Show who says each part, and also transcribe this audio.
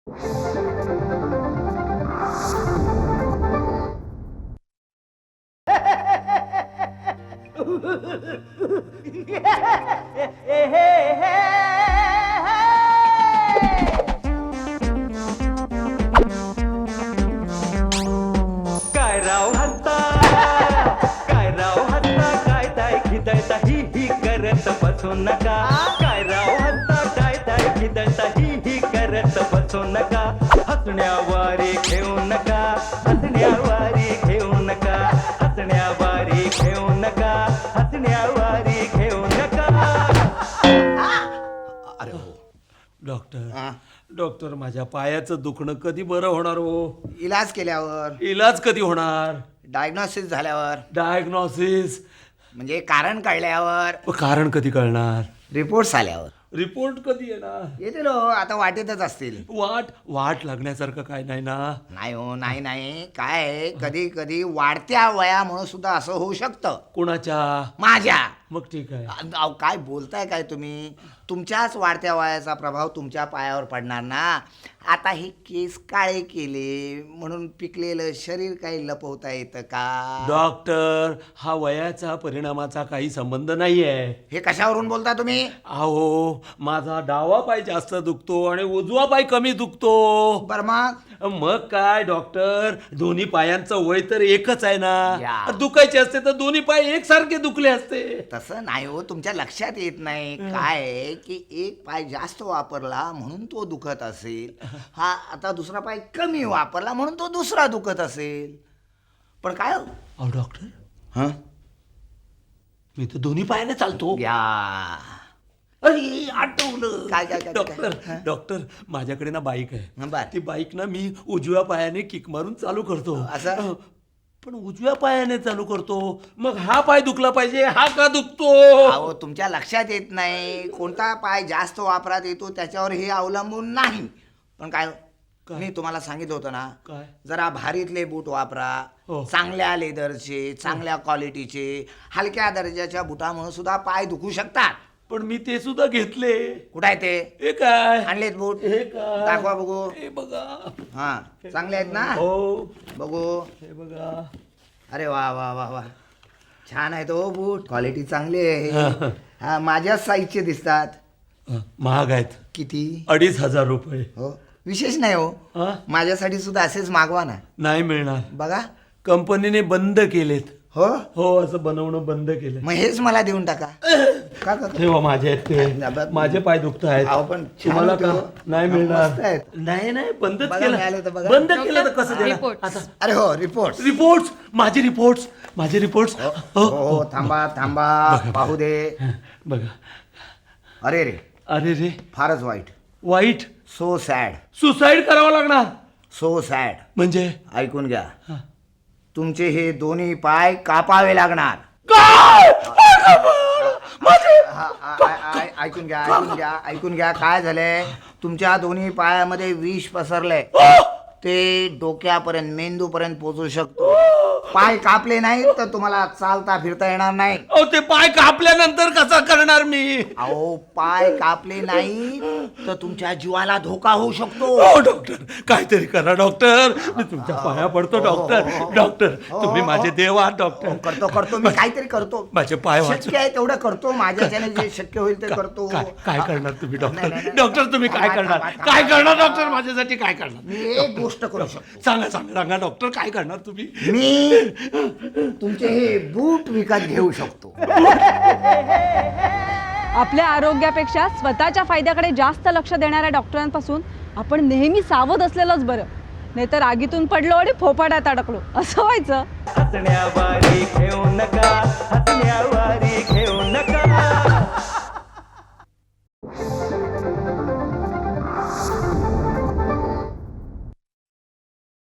Speaker 1: काय राव हत्ता, काय राव हत्ता, काय ताय खिदळता ही करत बसू नका. काय राव हत्ता, काय ताय खिदळता ही करत बसू नका. हसण्यावारे घेऊ नका, हसण्यावारे घेऊ नका, हसण्यावारे घेऊ नका, हसण्यावारे घेऊ नका.
Speaker 2: अरे हो
Speaker 3: डॉक्टर डॉक्टर माझ्या पायाचं दुखणं कधी बरं होणार हो?
Speaker 2: इलाज केल्यावर,
Speaker 3: इलाज कधी होणार?
Speaker 2: डायग्नोसिस झाल्यावर,
Speaker 3: डायग्नोसिस
Speaker 2: म्हणजे कारण कळल्यावर,
Speaker 3: कारण कधी कळणार?
Speaker 2: रिपोर्ट्स आल्यावर.
Speaker 3: रिपोर्ट कधी येणार?
Speaker 2: येतील हो, आता वाटेतच असतील.
Speaker 3: वाट लागण्यासारखं काय नाही ना?
Speaker 2: नाही हो, नाही नाही, काय आहे, कधी कधी वाढत्या वयामुळे सुद्धा असं होऊ शकतं.
Speaker 3: कोणाच्या?
Speaker 2: माझ्या.
Speaker 3: मग ठीक आहे.
Speaker 2: अहो, काय बोलताय काय तुम्ही? तुमच्याच वाढत्या वयाचा प्रभाव तुमच्या पायावर पडणार ना. आता हे केस काळे केले म्हणून पिकलेलं शरीर काही लपवता येतं का?
Speaker 3: डॉक्टर, हा वयाचा परिणामाचा काही संबंध नाहीये.
Speaker 2: हे कशावरून बोलता तुम्ही?
Speaker 3: अहो, माझा डावा पाय जास्त दुखतो आणि उजवा पाय कमी दुखतो.
Speaker 2: बर
Speaker 3: मग काय डॉक्टर, दोन्ही पायांचं वय तर एकच आहे ना.
Speaker 2: या.
Speaker 3: दुखायचे असते तर दोन्ही पाय एकसारखे दुखले असते.
Speaker 2: तसं नाही हो, तुमच्या लक्षात येत नाही काय आहे की एक पाय जास्त वापरला म्हणून तो दुखत असेल, हा आता दुसरा पाय कमी वापरला म्हणून तो दुसरा दुखत असेल. पण काय हो?
Speaker 3: अहो डॉक्टर,
Speaker 2: हं?
Speaker 3: मी तर दोन्ही पायाने चालतो.
Speaker 2: या.
Speaker 3: अरे आठवलं.
Speaker 2: काय काय काय
Speaker 3: डॉक्टर
Speaker 2: काय?
Speaker 3: डॉक्टर, माझ्याकडे ना बाईक आहे.
Speaker 2: हं, बर.
Speaker 3: ती बाईक ना मी उजव्या पायाने किक मारून चालू करतो.
Speaker 2: असं?
Speaker 3: पण उजव्या पायाने चालू करतो, मग हा पाय दुखला पाहिजे, हा का दुखतो?
Speaker 2: अहो, तुमच्या लक्षात येत नाही कोणता पाय जास्त वापरात येतो त्याच्यावर हे अवलंबून नाही. पण काय मी तुम्हाला सांगितलं होतं ना,
Speaker 3: काय?
Speaker 2: जरा भारीतले बूट वापरा.
Speaker 3: हो.
Speaker 2: चांगल्या लेदरचे, चांगल्या क्वालिटीचे. हलक्या दर्जाच्या बुटामुळे सुद्धा पाय दुखू शकतात.
Speaker 3: पण मी ते सुद्धा घेतले.
Speaker 2: कुठं आहे ते?
Speaker 3: हे काय?
Speaker 2: आणलेत बूट?
Speaker 3: हे काय?
Speaker 2: दाखवा बघू.
Speaker 3: हे बघा.
Speaker 2: हा, चांगले आहेत ना?
Speaker 3: हो,
Speaker 2: बघू.
Speaker 3: हे बघा.
Speaker 2: अरे वा वा वा वा, छान आहेत हो बूट, क्वालिटी चांगली आहे. हा, माझ्याच साईजचे दिसतात.
Speaker 3: महाग आहेत.
Speaker 2: किती?
Speaker 3: 2500 रुपये.
Speaker 2: हो, विशेष नाही हो,
Speaker 3: हा?
Speaker 2: माझ्यासाठी सुद्धा असेच मागवा ना.
Speaker 3: नाही मिळणार.
Speaker 2: बघा.
Speaker 3: कंपनीने बंद केलेत.
Speaker 2: हो,
Speaker 3: हो, असं बनवणं बंद केलं.
Speaker 2: मग हेच मला देऊन टाका. का का?
Speaker 3: ठेवा, माझे आहेत ते. माझे पाय दुखत आहेत.
Speaker 2: अहो, पण छान
Speaker 3: तुम्हाला
Speaker 2: होते
Speaker 3: का?
Speaker 2: हो.
Speaker 3: नाही
Speaker 2: मस्त
Speaker 3: मिळणार.
Speaker 2: आहेत.
Speaker 3: नाही बंदच
Speaker 2: बघा, मिळाले तर
Speaker 3: केलं.
Speaker 2: बघा.
Speaker 3: बंद केलं तर कसं देणार?
Speaker 4: रिपोर्ट्स.
Speaker 3: आता
Speaker 2: अरे हो, रिपोर्ट.
Speaker 3: रिपोर्ट्स, माझे रिपोर्ट्स.
Speaker 2: हो हो, थांबा थांबा, पाहू दे.
Speaker 3: बघा.
Speaker 2: अरे रे,
Speaker 3: अरे रे,
Speaker 2: फारच वाईट.
Speaker 3: वाईट.
Speaker 2: So sad.
Speaker 3: सुसाईड करावं लागणार.
Speaker 2: So sad.
Speaker 3: म्हणजे
Speaker 2: ऐकून घ्या, तुमचे हे दोन्ही पाय कापावे लागणार.
Speaker 3: काय?
Speaker 2: ऐकून घ्या, ऐकून घ्या, ऐकून घ्या. काय झालंय, तुमच्या दोन्ही पायामध्ये विष पसरलंय. ते डोक्यापर्यंत, मेंदूपर्यंत पोहोचू शकतो. पाय कापले नाही तर तुम्हाला चालता फिरता येणार नाही.
Speaker 3: अहो, ते पाय कापल्यानंतर कसं करणार मी?
Speaker 2: अहो, पाय कापले नाही तर तुमच्या जीवाला धोका होऊ शकतो.
Speaker 3: हो डॉक्टर, काहीतरी करा डॉक्टर. मी तुमच्या पाया पडतो डॉक्टर. डॉक्टर, तुम्ही माझे देव आहात डॉक्टर.
Speaker 2: करतो करतो, मी काहीतरी करतो.
Speaker 3: माझे पाय
Speaker 2: शक्य आहे तेवढं करतो. माझ्याच्याने जे शक्य होईल ते करतो.
Speaker 3: काय करणार तुम्ही
Speaker 2: नाही,
Speaker 3: डॉक्टर?
Speaker 2: नाही, नाही.
Speaker 3: डॉक्टर, तुम्ही काय
Speaker 2: थांबा,
Speaker 3: करणार?
Speaker 2: थांबा,
Speaker 3: काय
Speaker 2: थांबा.
Speaker 3: करणार डॉक्टर? माझ्यासाठी काय करणार?
Speaker 2: मी एक गोष्ट करू शकतो.
Speaker 3: सांगा डॉक्टर, काय करणार तुम्ही?
Speaker 2: मी तुमचे हे बूट विकत घेऊ शकतो.
Speaker 4: आपल्या आरोग्यापेक्षा स्वतःच्या फायद्याकडे जास्त लक्ष देणाऱ्या डॉक्टरांपासून आपण नेहमी सावध असलेलंच बरं. नाहीतर आगीतून पडलो आणि फोपाड्यात अडकलो असं व्हायचं.
Speaker 1: हसण्यावारे घेऊ नका, हसण्यावारे घेऊ नका.